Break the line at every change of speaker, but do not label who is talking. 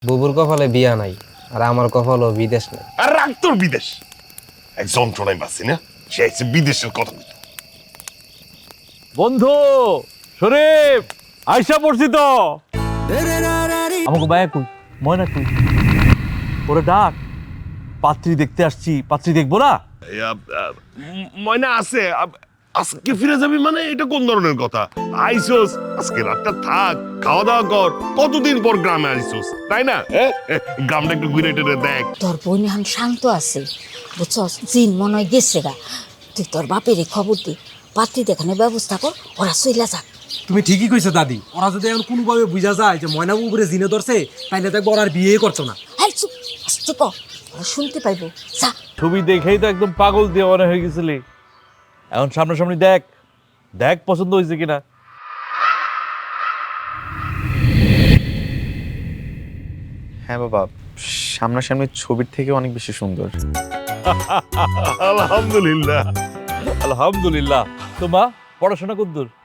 বুবুর কপালে বিয়া নাই আর আমার কপালও বিদেশ নাই।
আর রাখ তোর বিদেশ, এক যন্ত্রণায় বাঁচি না, সে আইছে বিদেশের কথা বলতে।
বন্ধু শরীফ আইসা পড়ছি তো। আমাকে বায়া কই, ময়না কই? ওরে ডাক, পাত্রী দেখতে আসছি, পাত্রী দেখবো না?
ময়না আছে, আজকে ফিরে যাবি মানে এটা কোন ধরনের কথা? আইসোস, আজকে রাতটা থাক, খাওয়া দাওয়া কর, কতদিন পর গ্রামে আইসোস, তাই না? গ্রামটা একটু ঘুরে টেরে দেখ।
তোর বোন এখন শান্ত আছে, বুঝছস? জিন মনে হয় গেছে গা। তুই তোর বাপেরই খবর দি, পাত্রী দেখানোর ব্যবস্থা কর, ওরা চইলা যাক।
তুমি ঠিকই কইছো দাদি, ওরা যদি এখন কোনোভাবে বুঝা যায় যে ময়নাবু উপরে জিনে ধরছে, তাইলে দেখবো ওরা আর বিয়ে করছো না।
হ্যাঁ চুপ, আসতে ক, ওরা শুনতে পাইবো। যা।
ছবি দেখেই তো একদম পাগল দিয়ে মনে হয়ে গেছিলি। এখন সামনাসামনি দেখ, দেখ পছন্দ হয়েছে কিনা।
হ্যাঁ বাবা, সামনাসামনি ছবির থেকে অনেক বেশি সুন্দর।
আলহামদুলিল্লাহ।
আলহামদুলিল্লাহ। তো মা, পড়াশোনা কতদূর?